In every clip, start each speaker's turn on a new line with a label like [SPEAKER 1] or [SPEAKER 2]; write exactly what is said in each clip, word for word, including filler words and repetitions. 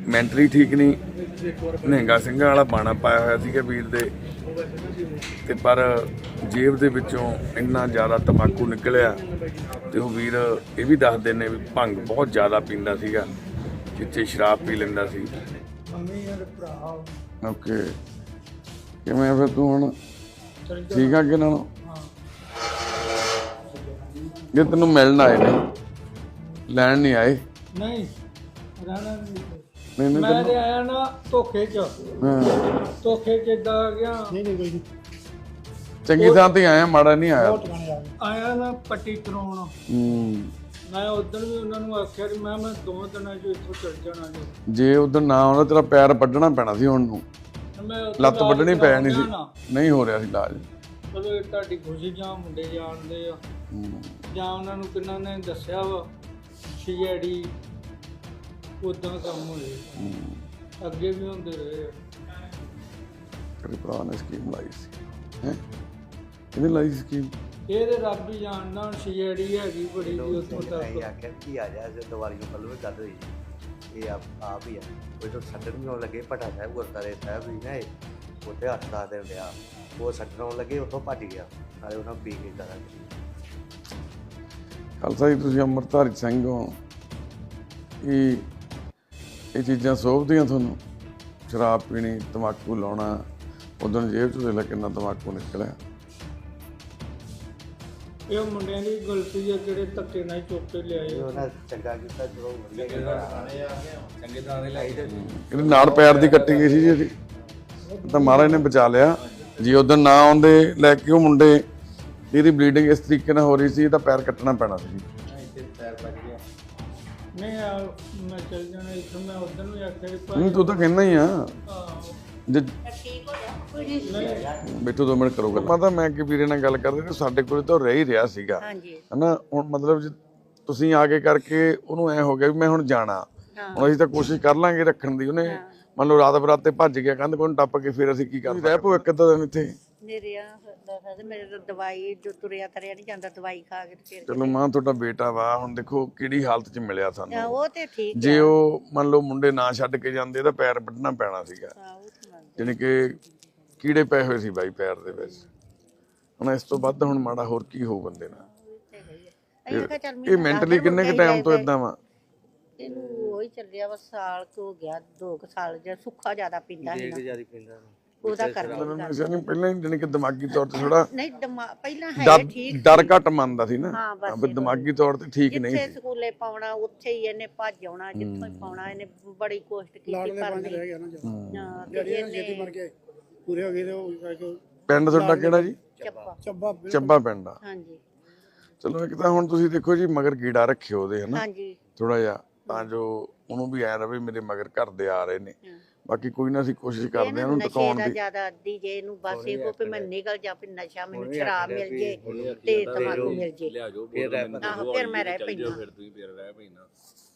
[SPEAKER 1] Mentally ਠੀਕ ਨਹੀਂ, ਨਿਹੰਗਾ ਸਿੰਘਾਂ ਵਾਲਾ ਬਾਣਾ ਪਾਇਆ ਹੋਇਆ ਸੀਗਾ ਵੀਰ ਦੇ, ਤੇ ਪਰ ਜੇਬ ਦੇ ਵਿੱਚੋਂ ਇੰਨਾ ਜ਼ਿਆਦਾ ਤੰਬਾਕੂ ਨਿਕਲਿਆ। ਤੇ ਉਹ ਵੀਰ ਇਹ ਵੀ ਦੱਸਦੇ ਨੇ ਵੀ ਭੰਗ ਬਹੁਤ ਜ਼ਿਆਦਾ ਪੀਂਦਾ ਸੀਗਾ, ਜਿੱਥੇ ਸ਼ਰਾਬ ਪੀ ਲੈਂਦਾ ਸੀ। ਓਕੇ, ਕਿਵੇਂ ਫਿਰ ਤੂੰ ਹੁਣ ਠੀਕ ਆ ਕਿ ਨਾਲੋਂ? ਜੇ ਤੈਨੂੰ ਮਿਲਣ ਆਏ ਨੇ, ਲੈਣ ਨਹੀਂ ਆਏ?
[SPEAKER 2] ਨਹੀਂ ਰਹਿਣਾ ਨਹੀਂ।
[SPEAKER 1] ਨਹੀਂ ਨਹੀਂ
[SPEAKER 2] ਮੈਂ ਤੇ ਆਇਆ ਨਾ ਧੋਖੇ ਚ,
[SPEAKER 1] ਹਾਂ,
[SPEAKER 2] ਧੋਖੇ ਚ ਏਦਾਂ ਆ ਗਿਆ। ਨਹੀਂ ਨਹੀਂ ਕੋਈ
[SPEAKER 1] ਚੰਗੀ ਥਾਂ ਤੇ ਆਇਆ, ਮਾੜਾ ਨਹੀਂ ਆਇਆ।
[SPEAKER 2] ਆਇਆ ਨਾ ਪੱਟੀ ਕਰਾਉਣ।
[SPEAKER 1] ਹੂੰ,
[SPEAKER 2] ਮੈਂ ਉਦੋਂ ਵੀ ਉਹਨਾਂ ਨੂੰ ਆਖਿਆ ਕਿ ਮੈਂ ਮੈਂ ਦੋ ਦਿਨਾਂ ਚ ਇੱਥੋਂ ਚੱਲ ਜਾਣਾ ਜੀ।
[SPEAKER 1] ਜੇ ਉਧਰ ਨਾ ਆਉਂਦਾ ਤੇਰਾ ਪੈਰ ਵੱਢਣਾ ਪੈਣਾ ਸੀ ਹੁਣ ਨੂੰ,
[SPEAKER 2] ਮੈਂ ਉੱਥੇ
[SPEAKER 1] ਲੱਤ ਵੱਢਣੀ ਪੈ ਜਾਣੀ ਸੀ।
[SPEAKER 2] ਨਾ।
[SPEAKER 1] ਨਹੀਂ ਹੋ ਰਿਹਾ ਸੀ ਇਲਾਜ।
[SPEAKER 2] ਚਲੋ ਇਹ ਤੁਹਾਡੀ ਖੁਸ਼ੀ ਜਾਂ ਮੁੰਡੇ ਜਾਣਦੇ ਆ, ਜਾਂ ਉਹਨਾਂ ਨੂੰ ਕਿੰਨਾ ਨੇ ਦੱਸਿਆ ਵਾ ਸੀਆਈਡੀ ਉਦਾਂ ਕੰਮ ਹੋਏ, ਅੱਗੇ ਵੀ ਹੁੰਦੇ ਰਹੇ ਆ।
[SPEAKER 1] ਤੇਰੇ ਭਰਾ ਨੇ ਸਕੀਮ ਲਾਈ ਸੀ, ਹੈ ਕਿਹਨੇ ਲਾਈ ਸੀ ਸਕੀਮ?
[SPEAKER 2] ਇਹ ਤੇ ਰੱਬ ਹੀ ਜਾਣਦਾ। ਹੁਣ ਸੀਆਈਡੀ ਹੈਗੀ ਬੜੀ ਜੀ ਉੱਥੋਂ ਤੱਕ।
[SPEAKER 3] ਆਖਿਆ ਕੀ ਆ ਜਾ ਦੀਵਾਲੀ ਨੂੰ ਕੱਲ੍ਹ ਵੀ ਗੱਲ ਹੋਈ, ਇਹ ਆਪ ਆਪ ਹੀ ਆ ਉਹ ਤੋਂ ਛੱਡਣ ਵੀ ਆਉਣ ਲੱਗੇ। ਭੱਟਾ ਸਾਹਿਬ ਗੁਰਦੁਆਰੇ ਸਾਹਿਬ ਵੀ ਨਾ ਇਹ ਉੱਥੇ ਹੱਥ ਦਾ ਦੇ ਲਿਆ, ਉਹ ਛੱਡਣ ਆਉਣ ਲੱਗੇ, ਉੱਥੋਂ ਭੱਜ ਗਿਆ ਨਾਲੇ ਉਹਨਾਂ ਪੀ ਕੇ ਕਰਾਂਗੇ।
[SPEAKER 1] ਖਾਲਸਾ ਜੀ, ਤੁਸੀਂ ਅੰਮ੍ਰਿਤਧਾਰੀ ਸਿੰਘ ਹੋ, ਇਹ ਇਹ ਚੀਜ਼ਾਂ ਸੋਭਦੀਆਂ ਤੁਹਾਨੂੰ? ਸ਼ਰਾਬ ਪੀਣੀ, ਤੰਬਾਕੂ ਲਾਉਣਾ, ਉਦੋਂ ਜੇਬ 'ਚ ਦੇਖ ਕਿੰਨਾ ਤੰਬਾਕੂ ਨਿਕਲਿਆ।
[SPEAKER 2] ਇਹ ਮੁੰਡਿਆਂ ਦੀ ਗਲਤੀ ਹੈ ਜਿਹੜੇ ਧੱਕੇ ਨਾਲ ਚੁੱਕ ਕੇ ਲਿਆਏ।
[SPEAKER 3] ਉਹਨਾਂ ਚੰਗਾ ਕੀਤਾ, ਚਲੋ ਵਧੀਆ ਚੰਗੇ ਦਾਣੇ ਲਾਈ ਤੇ
[SPEAKER 1] ਇਹਦੇ ਨਾਲ ਪੈਰ ਦੀ ਕੱਟੀ ਗਈ ਸੀ ਜੀ ਇਹਦੀ, ਤਾਂ ਮਹਾਰਾਜ ਨੇ ਬਚਾ ਲਿਆ ਜੀ। ਉਦੋਂ ਨਾ ਆਉਂਦੇ ਲੈ ਕੇ ਉਹ ਮੁੰਡੇ, ਇਹਦੀ ਬਲੀਡਿੰਗ ਇਸ ਤਰੀਕੇ ਨਾਲ ਹੋ ਰਹੀ ਸੀ, ਇਹਦਾ ਪੈਰ ਕੱਟਣਾ ਪੈਣਾ ਸੀ।
[SPEAKER 2] ਨਹੀਂ ਆ ਮੈਂ ਚੱਲ ਜਾਣਾ ਇੱਥੋਂ। ਮੈਂ ਉਦੋਂ ਵੀ ਆਖਿਆ ਕਿ
[SPEAKER 1] ਨਹੀਂ, ਤੂੰ ਤਾਂ ਕਹਿੰਦਾ ਹੀ ਆ ਜੇ
[SPEAKER 2] ਨਹੀਂ
[SPEAKER 1] ਬੈਠੋ ਦੋ ਮਿੰਟ ਕਰੋ ਗੱਲ। ਪਤਾ ਮੈਂ ਕਿ ਵੀਰੇ ਨਾਲ ਗੱਲ ਕਰਦੇ, ਸਾਡੇ ਕੋਲ ਤਾਂ ਰਹਿ ਹੀ ਰਿਹਾ ਸੀਗਾ, ਹਨਾ। ਹੁਣ ਮਤਲਬ ਜੇ ਤੁਸੀਂ ਆ ਕੇ ਕਰਕੇ ਉਹਨੂੰ ਐ ਹੋ ਗਿਆ ਵੀ ਮੈਂ ਹੁਣ ਜਾਣਾ, ਹੁਣ ਅਸੀਂ ਤਾਂ ਕੋਸ਼ਿਸ਼ ਕਰ ਲਾਂਗੇ ਰੱਖਣ ਦੀ। ਉਹਨੇ ਮੰਨ ਲਓ ਰਾਤ ਬਰਾਤੇ ਭੱਜ ਗਿਆ, ਕੰਧ ਕੋਲ ਟੱਪ ਕੇ, ਫਿਰ ਅਸੀਂ ਕੀ ਕਰ ਰਹਿ ਪੋ ਇੱਕ ਅੱਧਾ ਦਿਨ ਇੱਥੇ।
[SPEAKER 4] ਮੇਰੇ ਤਾਂ ਦਵਾਈ ਜੋ ਤੁਰਿਆ ਤਰਿਆ ਨਹੀਂ ਜਾਂਦਾ, ਦਵਾਈ ਖਾ ਕੇ ਫਿਰ।
[SPEAKER 1] ਚਲੋ ਮਾਂ, ਤੁਹਾਡਾ ਬੇਟਾ ਵਾ, ਹੁਣ ਦੇਖੋ ਕਿਹੜੀ ਹਾਲਤ 'ਚ ਮਿਲਿਆ ਸਾਨੂੰ।
[SPEAKER 4] ਉਹ ਤੇ ਠੀਕ
[SPEAKER 1] ਜੇ ਉਹ ਮੰਨ ਲਓ ਮੁੰਡੇ ਨਾ ਛੱਡ ਕੇ ਜਾਂਦੇ ਤਾਂ ਪੈਰ ਵੱਢਣਾ ਪੈਣਾ ਸੀਗਾ, ਜਾਣੀ ਕਿ ਕੀੜੇ ਪਏ ਹੋਏ ਸੀ ਬਾਈ ਪੈਰ ਦੇ ਵਿੱਚ। ਹੁਣ ਇਸ ਤੋਂ ਵੱਧ ਹੁਣ ਮਾੜਾ ਹੋਰ ਕੀ ਹੋਊ ਬੰਦੇ ਨਾਲ? ਇਹ ਮੈਂਟਲੀ ਕਿੰਨੇ ਕੁ ਟਾਈਮ ਤੋਂ ਇਦਾਂ ਵਾ?
[SPEAKER 4] ਇਹਨੂੰ ਉਹੀ ਚੱਲਿਆ ਵਾ, ਸਾਲ ਕੁ ਹੋ ਗਿਆ, ਦੋ ਕੁ ਸਾਲ। ਜੇ ਸੁੱਖਾ ਜ਼ਿਆਦਾ ਪੀਂਦਾ ਸੀ ਨਾ,
[SPEAKER 3] ਜਿਆਦਾ ਪੀਂਦਾ
[SPEAKER 4] ਉਹਦਾ ਕਰਕੇ
[SPEAKER 1] ਨਹੀਂ ਪਹਿਲਾਂ ਹੀ ਜਾਣੀ ਕਿ ਦਿਮਾਗੀ ਤੌਰ ਤੇ ਥੋੜਾ
[SPEAKER 4] ਨਹੀਂ ਦਿਮਾਗ ਪਹਿਲਾਂ ਹੈ ਠੀਕ,
[SPEAKER 1] ਡਰ ਘੱਟ ਮੰਨਦਾ ਸੀ ਨਾ,
[SPEAKER 4] ਹਾਂ ਬਸ
[SPEAKER 1] ਵੀ ਦਿਮਾਗੀ ਤੌਰ ਤੇ ਠੀਕ ਨਹੀਂ
[SPEAKER 4] ਜਿੱਥੇ
[SPEAKER 1] ਸੀ।
[SPEAKER 4] ਸਕੂਲੇ ਪਾਉਣਾ ਉੱਥੇ ਹੀ ਇਹਨੇ ਭੱਜ ਆਉਣਾ, ਜਿੱਥੋਂ ਹੀ ਪਾਉਣਾ ਇਹਨੇ ਬੜੀ ਕੋਸ਼ਿਸ਼ ਕੀਤੀ ਪਰ ਨਹੀਂ। ਹਾਂ ਤੇ ਇਹਨੇ
[SPEAKER 2] ਪੂਰੇ ਹੋ ਗਏ ਤੇ ਉਹ
[SPEAKER 1] ਪਿੰਡ ਤੁਹਾਡਾ ਕਿਹੜਾ ਜੀ?
[SPEAKER 4] ਚੱਪਾ
[SPEAKER 2] ਚੱਬਾ
[SPEAKER 1] ਚੱਬਾ ਪਿੰਡ ਆ।
[SPEAKER 4] ਹਾਂਜੀ
[SPEAKER 1] ਚਲੋ ਇੱਕ ਤਾਂ ਹੁਣ ਤੁਸੀਂ ਦੇਖੋ ਜੀ, ਮਗਰ ਕੀੜਾ ਰੱਖਿਓ ਉਹਦੇ, ਹਨਾ,
[SPEAKER 4] ਹਾਂਜੀ
[SPEAKER 1] ਥੋੜਾ ਜਿਹਾ, ਤਾਂ ਜੋ ਉਹਨੂੰ ਵੀ ਐ ਰਵੇ ਮੇਰੇ ਮਗਰ ਘਰ ਦੇ ਆ ਰਹੇ ਨੇ। ਬਾਕੀ ਕੋਈ ਨਾ, ਅਸੀਂ ਕੋਸ਼ਿਸ਼ ਕਰਦੇ ਹਾਂ ਉਹਨੂੰ ਟਿਕਾਉਣ ਦੀ।
[SPEAKER 4] ਜ਼ਿਆਦਾ ਅੱਧੀ ਜੇ ਇਹਨੂੰ ਬਸ ਇਹ ਕੋ ਵੀ ਮੈਂ ਨਿਕਲ ਜਾ, ਫਿਰ ਨਸ਼ਾ ਮੈਨੂੰ ਸ਼ਰਾਬ ਮਿਲ ਜੇ ਤੇ ਤਮਾਕੂ ਮਿਲ ਜੇ, ਆਹੋ ਫਿਰ ਮੈਂ ਰਹਿ ਪੈਂਦਾ।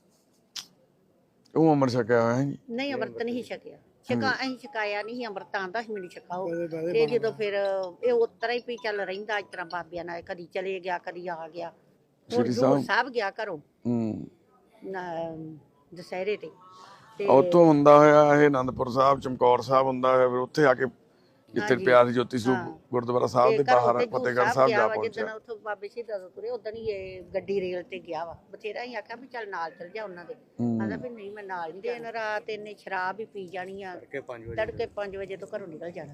[SPEAKER 1] ਉਹ ਅਮਰ ਛਕਿਆ ਹੋਇਆ ਹੈ ਜੀ?
[SPEAKER 4] ਨਹੀਂ ਅੰਮ੍ਰਿਤ ਨਹੀਂ ਛਕਿਆ, ਛਕਾ ਅਸੀਂ ਛਕਾਇਆ ਨਹੀਂ, ਅੰਮ੍ਰਿਤ ਆਂਦਾ ਸੀ ਮੈਨੂੰ ਛਕਾਓ। ਤੇ ਜਦੋਂ ਫਿਰ ਇਹ ਉਤਰਾ ਹੀ ਵੀ ਚੱਲ ਰਹਿੰਦਾ ਇਸ ਤਰ੍ਹਾਂ ਬਾਬਿਆਂ ਨਾਲ, ਕਦੀ ਚਲੇ ਗਿਆ ਕਦੀ ਆ ਗਿਆ। ਹੁਣ ਸਾਹਿਬ ਗਿਆ ਘਰੋਂ
[SPEAKER 1] ਹੂੰ
[SPEAKER 4] ਦੁਸਹਿਰੇ ਤੇ,
[SPEAKER 1] ਉੱਥੋਂ ਹੁੰਦਾ ਹੋਇਆ ਇਹ ਆਨੰਦਪੁਰ ਸਾਹਿਬ, ਚਮਕੌਰ ਸਾਹਿਬ ਹੁੰਦਾ ਹੋਇਆ, ਫਿਰ ਉੱਥੇ ਆ ਕੇ ਜਿੱਥੇ ਪਿਆਰ ਦੀ ਜੋਤੀ ਸਰੂਪ ਗੁਰਦੁਆਰਾ ਸਾਹਿਬ ਦੇ ਬਾਹਰ ਫਤਿਹਗੜ੍ਹ ਸਾਹਿਬ ਜਾ ਪਹੁੰਚਿਆ।
[SPEAKER 4] ਜਦੋਂ ਉੱਥੋਂ ਬਾਬੇ ਸ਼ਹੀਦਾਂ ਤੋਂ ਤੁਰੇ ਉਦੋਂ ਹੀ ਇਹ ਗੱਡੀ ਰੇਲ ਤੇ ਗਿਆ ਵਾ। ਬਥੇਰਾ ਹੀ ਆਖਿਆ ਵੀ ਚੱਲ ਨਾਲ ਚੱਲ ਜਾ ਉਹਨਾਂ ਦੇ, ਕਹਿੰਦਾ ਵੀ ਨਹੀਂ ਮੈਂ ਨਾਲ ਨਹੀਂ। ਦਿਨ ਰਾਤ ਇਹਨੇ ਸ਼ਰਾਬ ਹੀ ਪੀ ਜਾਣੀ ਆ, ਤੜਕੇ ਪੰਜ ਵਜੇ ਤੋਂ ਘਰੋਂ ਨਿਕਲ ਜਾਣਾ।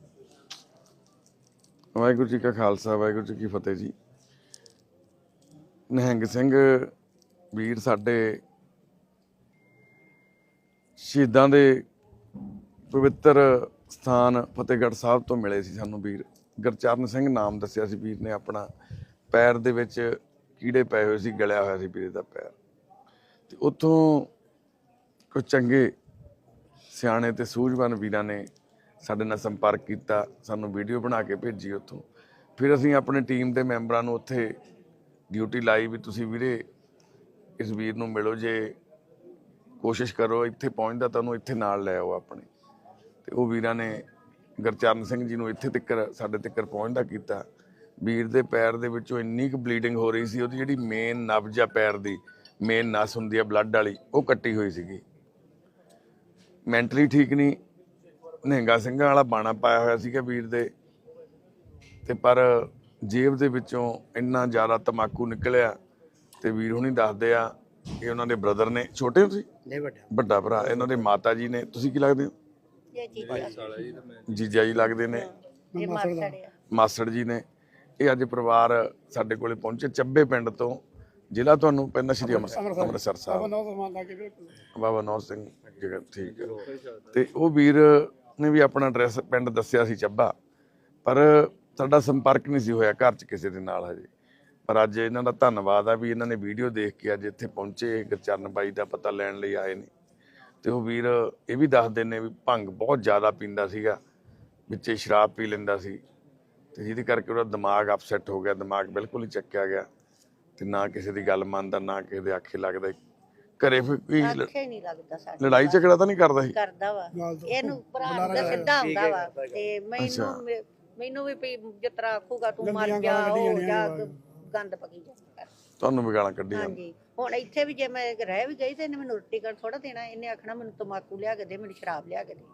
[SPEAKER 1] ਵਾਹਿਗੁਰੂ ਜੀ ਕਾ ਖਾਲਸਾ, ਵਾਹਿਗੁਰੂ ਜੀ ਕੀ ਫਤਿਹ ਜੀ। ਨਿਹੰਗ ਸਿੰਘ ਵੀਰ ਸਾਡੇ ਸ਼ਹੀਦਾਂ ਦੇ ਪਵਿੱਤਰ ਸਥਾਨ ਫਤਿਹਗੜ੍ਹ ਸਾਹਿਬ ਤੋਂ ਮਿਲੇ ਸੀ ਸਾਨੂੰ ਵੀਰ। ਗੁਰਚਰਨ ਸਿੰਘ ਨਾਮ ਦੱਸਿਆ ਸੀ ਵੀਰ ਨੇ ਆਪਣਾ। ਪੈਰ ਦੇ ਵਿੱਚ ਕੀੜੇ ਪਏ ਹੋਏ ਸੀ, ਗਲਿਆ ਹੋਇਆ ਸੀ ਵੀਰੇ ਦਾ ਪੈਰ। ਤੇ ਉੱਥੋਂ ਕੁਝ ਚੰਗੇ ਸਿਆਣੇ ਤੇ ਸੂਝਵਾਨ ਵੀਰਾਂ ਨੇ ਸਾਡੇ ਨਾਲ ਸੰਪਰਕ ਕੀਤਾ, ਸਾਨੂੰ ਵੀਡੀਓ ਬਣਾ ਕੇ ਭੇਜੀ ਉੱਥੋਂ। ਫਿਰ ਅਸੀਂ ਆਪਣੀ ਟੀਮ ਦੇ ਮੈਂਬਰਾਂ ਨੂੰ ਉੱਥੇ ਡਿਊਟੀ ਲਾਈ ਵੀ ਤੁਸੀਂ ਵੀਰੇ ਇਸ ਵੀਰ ਨੂੰ ਮਿਲੋ, ਜੇ ਕੋਸ਼ਿਸ਼ ਕਰੋ ਇੱਥੇ ਪਹੁੰਚਦਾ ਤਾਂ ਉਹਨੂੰ ਇੱਥੇ ਨਾਲ ਲੈ ਆਓ ਆਪਣੇ। ਤੇ ਉਹ ਵੀਰਾਂ ਨੇ ਗੁਰਚਰਨ ਸਿੰਘ ਜੀ ਨੂੰ ਇੱਥੇ ਤੱਕ ਸਾਡੇ ਤੱਕ ਪਹੁੰਚਦਾ ਕੀਤਾ। ਵੀਰ ਦੇ ਪੈਰ ਦੇ ਵਿੱਚੋਂ ਇੰਨੀ ਕੁ ਬਲੀਡਿੰਗ ਹੋ ਰਹੀ ਸੀ, ਉਹਦੀ ਜਿਹੜੀ ਮੇਨ ਨਬਜ਼ ਆ ਪੈਰ ਦੀ, ਮੇਨ ਨਸ ਹੁੰਦੀ ਆ ਬਲੱਡ ਵਾਲੀ, ਉਹ ਕੱਟੀ ਹੋਈ ਸੀਗੀ। ਮੈਂਟਲੀ ਠੀਕ ਨਹੀਂ, ਨਿਹੰਗਾ ਸਿੰਘਾਂ ਵਾਲਾ ਬਾਣਾ ਪਾਇਆ ਹੋਇਆ ਸੀਗਾ ਵੀਰ ਦੇ, ਤੇ ਪਰ ਜੇਬ ਦੇ ਵਿੱਚੋਂ ਇੰਨਾ ਜ਼ਿਆਦਾ ਤਮਾਕੂ ਨਿਕਲਿਆ। ਤੇ ਵੀਰ ਹੁਣੀ ਦੱਸਦੇ ਆ ਇਹ ਉਹਨਾਂ ਦੇ ਬ੍ਰਦਰ ਨੇ। ਛੋਟੇ ਹੋ ਤੁਸੀਂ?
[SPEAKER 3] ਨਹੀਂ ਵੱਡਾ
[SPEAKER 1] ਵੱਡਾ ਭਰਾ। ਇਹਨਾਂ ਦੇ ਮਾਤਾ ਜੀ ਨੇ। ਤੁਸੀਂ ਕੀ ਲੱਗਦੇ ਹੋ?
[SPEAKER 4] ਇਹ ਚੀਜ਼ਾਂ
[SPEAKER 1] ਜੀਜਾ ਜੀ ਲੱਗਦੇ ਨੇ।
[SPEAKER 4] ਇਹ ਮਾਰ ਛੜਿਆ
[SPEAKER 1] ਮਾਸੜ ਜੀ ਨੇ। ਇਹ ਅੱਜ ਪਰਿਵਾਰ ਸਾਡੇ ਕੋਲੇ ਪਹੁੰਚੇ ਚੱਬੇ ਪਿੰਡ ਤੋਂ, ਜ਼ਿਲ੍ਹਾ ਤੁਹਾਨੂੰ ਪੈਂਦਾ ਸ਼੍ਰੀ ਅੰਮ੍ਰਿਤਸਰ ਅੰਮ੍ਰਿਤਸਰ ਸਾਹਿਬ, ਬਾਬਾ ਨੌਰ ਸਿੰਘ ਜਗ੍ਹਾ। ਠੀਕ ਹੈ। ਤੇ ਉਹ ਵੀਰ ਨੇ ਵੀ ਆਪਣਾ ਐਡਰੈਸ ਪਿੰਡ ਦੱਸਿਆ ਸੀ ਚੱਬਾ, ਪਰ ਸਾਡਾ ਸੰਪਰਕ ਨਹੀਂ ਸੀ ਹੋਇਆ ਘਰ 'ਚ ਕਿਸੇ ਦੇ ਨਾਲ ਹਜੇ। ਪਰ ਅੱਜ ਇਹਨਾਂ ਦਾ ਧੰਨਵਾਦ ਆ ਵੀ ਇਹਨਾਂ ਨੇ ਵੀਡੀਓ ਦੇਖ ਕੇ ਅੱਜ ਇੱਥੇ ਪਹੁੰਚੇ, ਗੁਰਚਰਨ ਬਾਈ ਦਾ ਪਤਾ ਲੈਣ ਲਈ ਆਏ ਨੇ। ਤੇ ਉਹ ਵੀਰ ਇਹ ਵੀ ਦੱਸਦੇ ਨੇ ਵੀ ਭੰਗ ਬਹੁਤ ਜ਼ਿਆਦਾ ਪੀਂਦਾ ਸੀਗਾ, ਵਿੱਚੇ ਸ਼ਰਾਬ ਪੀ ਲੈਂਦਾ ਸੀ, ਤੇ ਜਿਹਦੇ ਕਰਕੇ ਉਹਦਾ ਦਿਮਾਗ ਅਪਸੈਟ ਹੋ ਗਿਆ, ਦਿਮਾਗ ਬਿਲਕੁਲ ਹੀ ਚੱਕਿਆ ਗਿਆ, ਤੇ ਨਾ ਕਿਸੇ ਦੀ ਗੱਲ ਮੰਨਦਾ, ਨਾ ਕਿਸੇ ਦੇ ਆਖੇ ਲੱਗਦਾ। ਘਰੇ ਫਿਰ ਕੋਈ ਲ-
[SPEAKER 4] ਅੱਖੇ ਨਹੀਂ ਲੱਗਦਾ ਸਾਡੇ
[SPEAKER 1] ਲੜਾਈ ਝਗੜਾ ਤਾਂ ਨਹੀਂ ਕਰਦਾ ਸੀ?
[SPEAKER 4] ਕਰਦਾ ਵਾ ਇਹਨੂੰ ਭਰਾ ਦਾ ਸਿੱਧਾ ਹੁੰਦਾ ਵਾ। ਤੇ ਮੈਨੂੰ ਮੇ- ਮੈਨੂੰ ਵੀ ਵੀ ਜਿਸ ਤਰ੍ਹਾਂ ਆਖੂਗਾ ਤੂੰ ਮਰ ਜਾ, ਉਹ ਜਾ, ਗੰਦ ਪਕੀ ਜਾ।
[SPEAKER 1] ਤੁਹਾਨੂੰ ਵੀ ਗਾਲਾਂ ਕੱਢੀਆਂ?
[SPEAKER 4] ਹਾਂਜੀ। ਹੁਣ ਇੱਥੇ ਵੀ ਜੇ ਮੈਂ ਰਹਿ ਵੀ ਗਈ ਤੇ ਇਹਨੇ ਮੈਨੂੰ ਰੋਟੀ ਕਰ ਥੋੜਾ ਦੇਣਾ, ਇਹਨੇ ਆਖਣਾ ਮੈਨੂੰ ਤਮਾਕੂ ਲਿਆ ਕੇ ਦੇ, ਮੈਨੂੰ ਸ਼ਰਾਬ ਲਿਆ ਕੇ ਦੇ,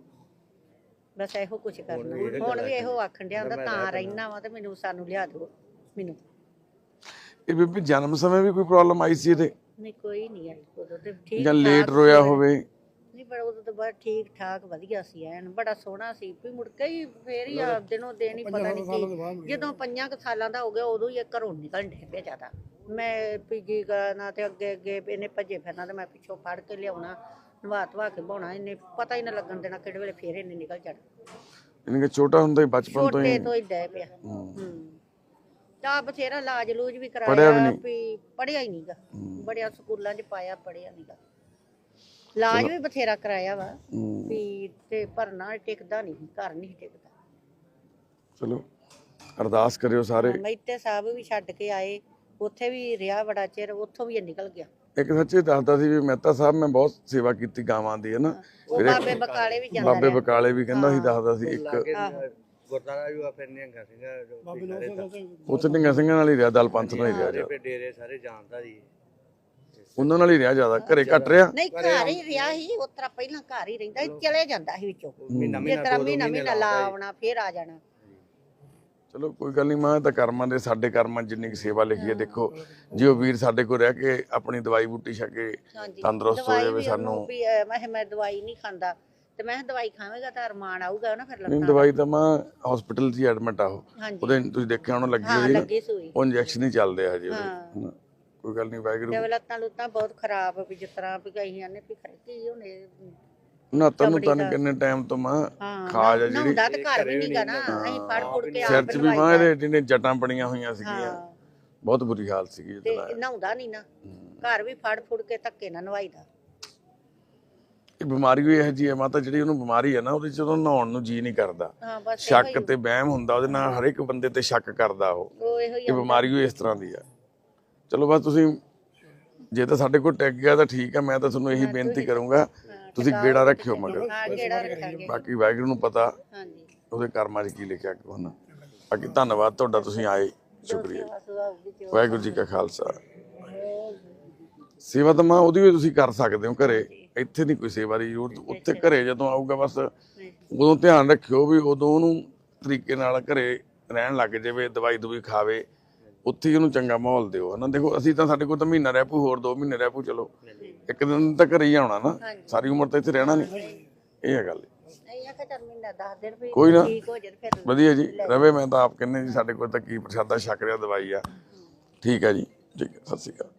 [SPEAKER 4] ਬਸ ਇਹੋ ਕੁਛ ਕਰਨਾ। ਹੁਣ ਵੀ ਇਹੋ ਆਖਣ ਡਿਆ ਹੁੰਦਾ ਤਾਂ ਰਹਿਣਾ ਵਾ ਤੇ ਮੈਨੂੰ ਸਾਨੂੰ ਲਿਆ ਦਿਓ ਮੈਨੂੰ।
[SPEAKER 1] ਇਹ ਬੀਬੀ ਜਨਮ ਸਮੇਂ ਵੀ ਕੋਈ ਪ੍ਰੋਬਲਮ ਆਈ ਸੀ ਇਹਦੇ,
[SPEAKER 4] ਨਹੀਂ ਕੋਈ ਨਹੀਂ ਆਈ ਉਦੋਂ ਤੇ ਠੀਕ
[SPEAKER 1] ਜਾਂ ਲੇਟ ਰੋਇਆ ਹੋਵੇ?
[SPEAKER 4] ਨਹੀਂ, ਪਰ ਉਦੋਂ ਤਾਂ ਬੜਾ ਠੀਕ ਠਾਕ ਵਧੀਆ ਸੀ, ਐਨ ਬੜਾ ਸੋਹਣਾ ਸੀ। ਵੀ ਮੁੜ ਕੇ ਹੀ ਫੇਰ ਹੀ ਆ ਦਿਨੋਂ ਦਿਨ ਹੀ ਪਤਾ ਨਹੀਂ ਕੀ, ਜਦੋਂ ਪੰਜਾਂ ਕੁ ਸਾਲਾਂ ਦਾ ਹੋ ਗਿਆ ਉਦੋਂ ਹੀ ਇਹ ਘਰੋਂ ਨਿਕਲਣ ਡੇ ਪਿਆ ਜ਼ਿਆਦਾ। ਮੈਂ ਪੀਜੀ ਕਰਨਾ ਤੇ ਅੱਗੇ ਅੱਗੇ ਇਹਨੇ ਭੱਜੇ ਫਿਰਨਾ ਤੇ ਮੈਂ ਪਿੱਛੋਂ ਫੜ ਕੇ ਲਿਆਉਣਾ, ਨਵਾ ਧਵਾ ਕੇ ਬਾਉਣਾ, ਇਹਨੇ ਪਤਾ ਹੀ ਨਾ ਲੱਗਣ ਦੇਣਾ ਕਿਹੜੇ ਵੇਲੇ ਫੇਰ ਇਹਨੇ ਨਿਕਲ ਜਾਣਾ।
[SPEAKER 1] ਯਾਨੀ ਕਿ ਛੋਟਾ ਹੁੰਦਾ ਹੀ ਬਚਪਨ ਤੋਂ ਹੀ
[SPEAKER 4] ਛੋਟੇ ਤੋਂ ਹੀ ਡੈ ਪਿਆ। ਹੂੰ ਤਾਂ ਬਥੇਰਾ ਲਾਜ ਲੂਜ ਵੀ
[SPEAKER 1] ਪੜ੍ਹਿਆ ਵੀ
[SPEAKER 4] ਕਰਾਇਆ,
[SPEAKER 1] ਨਹੀਂ?
[SPEAKER 4] ਵੀ ਪੜਿਆ ਹੀ ਨਹੀਂਗਾ, ਬੜਿਆ ਸਕੂਲਾਂ 'ਚ ਪਾਇਆ, ਪੜਿਆ ਨਹੀਂਗਾ। ਇਲਾਜ ਵੀ ਬਥੇਰਾ ਕਰਾਇਆ ਵਾ ਵੀ, ਤੇ ਪਰ ਨਾ ਟਿਕਦਾ ਨਹੀਂ, ਘਰ ਨਹੀਂ ਟਿਕਦਾ।
[SPEAKER 1] ਚਲੋ ਅਰਦਾਸ ਕਰਿਓ ਸਾਰੇ।
[SPEAKER 4] ਮਹਿਤੇ ਸਾਹਿਬ ਵੀ ਛੱਡ ਕੇ ਆਏ, ਉੱਥੇ ਵੀ ਰਿਹਾ ਬੜਾ ਚਿਰ, ਉੱਥੋਂ ਵੀ ਇਹ ਨਿਕਲ ਗਿਆ।
[SPEAKER 1] ਇੱਕ ਸੱਚੇ ਦੱਸਦਾ ਸੀ ਵੀ ਮਹਿਤਾ ਸਾਹਿਬ ਮੈਂ ਬਹੁਤ ਸੇਵਾ ਕੀਤੀ ਗਾਵਾਂ ਦੀ, ਹੈ ਨਾ।
[SPEAKER 4] ਉਹ ਬਾਬੇ ਬਕਾਲੇ ਵੀ ਜਾਂਦਾ
[SPEAKER 1] ਬਾਬੇ
[SPEAKER 4] ਰਿਹਾ।
[SPEAKER 1] ਬਕਾਲੇ ਵੀ ਕਹਿੰਦਾ ਸੀ, ਦੱਸਦਾ ਸੀ ਇੱਕ
[SPEAKER 3] ਗੁਰਦਾਰਾ ਵੀ ਆ, ਫਿਰ ਨਿਹੰਗਾ ਸਿੰਘ
[SPEAKER 1] ਉੱਥੇ ਨਿਹੰਗਾ ਸਿੰਘਾਂ ਨਾਲ ਹੀ ਰਿਹਾ, ਦਲ ਪੰਥ ਨਾਲ ਹੀ ਰਿਹਾ ਜ਼ਿਆਦਾ।
[SPEAKER 3] ਫਿਰ ਡੇਰੇ ਸਾਰੇ ਜਾਣਦਾ ਜੀ,
[SPEAKER 1] ਉਹਨਾਂ ਨਾਲ ਹੀ ਰਿਹਾ ਜ਼ਿਆਦਾ, ਘਰੇ ਘੱਟ ਰਿਹਾ।
[SPEAKER 4] ਨਹੀਂ ਘਰ ਹੀ ਰਿਹਾ ਸੀ, ਉਸ ਤਰ੍ਹਾਂ ਪਹਿਲਾਂ ਘਰ ਹੀ ਰਹਿੰਦਾ ਸੀ, ਚਲੇ ਜਾਂਦਾ ਸੀ ਵਿੱਚੋਂ, ਜਿਸ ਤਰ੍ਹਾਂ ਮਹੀਨਾ ਮਹੀਨਾ ਲਾ ਆਉਣਾ ਫੇਰ ਆ ਜਾਣਾ।
[SPEAKER 1] ਚਲੋ ਕੋਈ ਗੱਲ ਨਹੀਂ, ਮੈਂ ਤਾਂ ਕਰਮਾਂ ਦੇ, ਸਾਡੇ ਕਰਮਾਂ 'ਚ ਜਿੰਨੀ ਕੁ ਸੇਵਾ ਲਿਖੀ ਹੈ। ਦੇਖੋ ਜੇ ਉਹ ਵੀਰ ਸਾਡੇ ਕੋਲ ਰਹਿ ਕੇ ਆਪਣੀ ਦਵਾਈ ਬੂਟੀ ਛਕ ਕੇ ਤੰਦਰੁਸਤ ਹੋ ਜਾਵੇ ਸਾਨੂੰ।
[SPEAKER 4] ਵੀ ਅਹ, ਮੈਂ ਕਿਹਾ ਮੈਂ ਦਵਾਈ ਨਹੀਂ ਖਾਂਦਾ, ਤੇ ਮੈਂ ਕਿਹਾ ਦਵਾਈ ਖਾਵੇਂਗਾ ਤਾਂ ਅਰਮਾਨ ਆਊਗਾ ਨਾ ਫਿਰ
[SPEAKER 1] ਨਹੀਂ,
[SPEAKER 4] ਲੱਤਾਂ।
[SPEAKER 1] ਦਵਾਈ ਤਾਂ ਮੈਂ ਹਸਪੀਟਲ 'ਚ ਹੀ ਐਡਮਿਟ ਆ ਉਹ,
[SPEAKER 4] ਹਾਂਜੀ
[SPEAKER 1] ਉਹਦੇ ਤੁਸੀਂ ਦੇਖਿਆ ਉਹਨੂੰ ਲੱਗੀ
[SPEAKER 4] ਹਾਂ
[SPEAKER 1] ਹੋਈ ਨਾ,
[SPEAKER 4] ਲੱਗੀ ਸੂਈ।
[SPEAKER 1] ਉਹ ਇੰਜੈਕਸ਼ਨ ਹੀ ਚੱਲਦੇ ਆ ਹਜੇ
[SPEAKER 4] ਹਾਂ।
[SPEAKER 1] ਉਹਦੇ। ਕੋਈ ਗੱਲ ਨਹੀਂ, ਵਾਹਿਗੁਰੂ।
[SPEAKER 4] ਤੇ ਲੱਤਾਂ ਲੁੱਤਾਂ ਬਹੁਤ ਖਰਾਬ, ਵੀ ਜਿਸ ਤਰ੍ਹਾਂ ਵੀ ਕਈ ਆਨੇ ਵੀ ਖਰੇ ਕੀ ਹੋਣੇ।
[SPEAKER 1] ਨਾ ਤੈਨੂੰ ਤਾਂ ਕਿੰਨੇ ਟਾਈਮ ਤੋਂ ਮਾਂ ਖਾਜ ਆ ਜਿਹੜੀ
[SPEAKER 4] ਨਹਾਉਂਦਾ ਤੇ ਘਰ ਵੀ ਨਹੀਂਗਾ ਨਾ, ਅਸੀਂ ਫੜ ਫੁੜ ਕੇ
[SPEAKER 1] ਸਿਰ
[SPEAKER 4] ਆਪ
[SPEAKER 1] 'ਚ ਵੀ ਮਾਂ ਇਹਦੇ ਜਿਹਨੇ ਜਟਾਂ ਬਣੀਆਂ ਹੋਈਆਂ ਸੀਗੀਆਂ,
[SPEAKER 4] ਹਾਂ
[SPEAKER 1] ਬਹੁਤ ਬੁਰੀ ਹਾਲ ਸੀਗੀ
[SPEAKER 4] ਤੇ
[SPEAKER 1] ਜਦੋਂ।
[SPEAKER 4] ਨਹਾਉਂਦਾ ਨਹੀਂ ਨਾ, ਘਰ ਵੀ ਫੜ ਫੁੜ ਕੇ ਧੱਕੇ ਨਾਲ ਨਵਾਈਦਾ।
[SPEAKER 1] ਇਹ ਬਿਮਾਰੀ ਵੀ ਇਹੋ ਜਿਹੀ ਹੈ ਮਾਤਾ, ਜਿਹੜੀ ਉਹਨੂੰ ਬਿਮਾਰੀ ਹੈ ਨਾ, ਉਹਦੇ 'ਚ ਜਦੋਂ ਨਹਾਉਣ ਨੂੰ ਜੀ ਨਹੀਂ ਕਰਦਾ,
[SPEAKER 4] ਹਾਂ ਬਸ
[SPEAKER 1] ਸ਼ੱਕ ਤੇ ਵਹਿਮ ਹੁੰਦਾ ਉਹਦੇ ਨਾਲ, ਹਰ ਇੱਕ ਬੰਦੇ ਤੇ ਸ਼ੱਕ ਕਰਦਾ ਉਹ।
[SPEAKER 4] ਉਹ ਇਹੋ ਹੀ
[SPEAKER 1] ਇਹ ਬਿਮਾਰੀ ਵੀ ਇਸ ਤਰ੍ਹਾਂ ਦੀ ਆ। ਚਲੋ ਬਸ ਤੁਸੀਂ ਜੇ ਤਾਂ ਸਾਡੇ ਕੋਲ ਟਿਕ ਗਿਆ ਤਾਂ ਠੀਕ ਹੈ, ਮੈਂ ਤਾਂ ਤੁਹਾਨੂੰ ਇਹੀ ਬੇਨਤੀ ਕਰੂੰਗਾ ਤੁਸੀਂ ਗੇੜਾ ਰੱਖਿਓ ਮਗਰ।
[SPEAKER 4] ਹਾਂ ਕਿਹੜਾ ਰੱਖਾਂਗੇ।
[SPEAKER 1] ਬਾਕੀ ਵਾਹਿਗੁਰੂ ਨੂੰ ਪਤਾ
[SPEAKER 4] ਹਾਂਜੀ
[SPEAKER 1] ਉਹਦੇ ਕਰਮਾਂ 'ਚ ਕੀ ਲਿਖਿਆ ਕੋ ਨਾ। ਬਾਕੀ ਧੰਨਵਾਦ ਤੁਹਾਡਾ, ਤੁਸੀਂ ਆਏ, ਸ਼ੁਕਰੀਆ। ਵਾਹਿਗੁਰੂ ਜੀ ਕਾ ਖਾਲਸਾ। ਸੇਵਾ ਤਾਂ ਮਾਂ ਉਹਦੀ ਵੀ ਤੁਸੀਂ ਕਰ ਸਕਦੇ ਹੋ ਘਰੇ, ਇੱਥੇ ਨਹੀਂ ਕੋਈ ਸੇਵਾ ਦੀ ਜ਼ਰੂਰਤ। ਉੱਥੇ ਘਰੇ ਜਦੋਂ ਆਊਗਾ ਬਸ ਉਦੋਂ ਧਿਆਨ ਰੱਖਿਓ ਵੀ ਉਦੋਂ ਉਹਨੂੰ ਤਰੀਕੇ ਨਾਲ ਘਰੇ ਰਹਿਣ ਲੱਗ ਜਾਵੇ, ਦਵਾਈ ਦਵਾਈ ਖਾਵੇ, ਉੱਥੇ ਹੀ ਉਹਨੂੰ ਚੰਗਾ ਮਾਹੌਲ ਦਿਓ, ਹਨਾ। ਦੇਖੋ ਅਸੀਂ ਤਾਂ, ਸਾਡੇ ਕੋਲ ਤਾਂ ਮਹੀਨਾ ਰਹਿ ਪੂ, ਹੋਰ ਦੋ ਮਹੀਨੇ ਰਹਿ ਪੂ, ਚਲੋ ਇੱਕ ਦਿਨ ਤਾਂ ਘਰੇ ਹੀ ਆਉਣਾ ਨਾ, ਸਾਰੀ ਉਮਰ ਤਾਂ ਇੱਥੇ ਰਹਿਣਾ ਨਹੀਂ। ਇਹ ਹੈ ਗੱਲ। ਕੋਈ ਨਾ, ਵਧੀਆ ਜੀ ਰਵੇ। ਮੈਂ ਤਾਂ ਆਪ ਕਹਿੰਦੇ ਜੀ ਸਾਡੇ ਕੋਲ ਤਾਂ ਕੀ ਪ੍ਰਸ਼ਾਦਾ ਛਕ ਰਿਹਾ, ਦਵਾਈ ਆ। ਠੀਕ ਹੈ ਜੀ, ਠੀਕ ਹੈ, ਸਤਿ ਸ਼੍ਰੀ ਅਕਾਲ।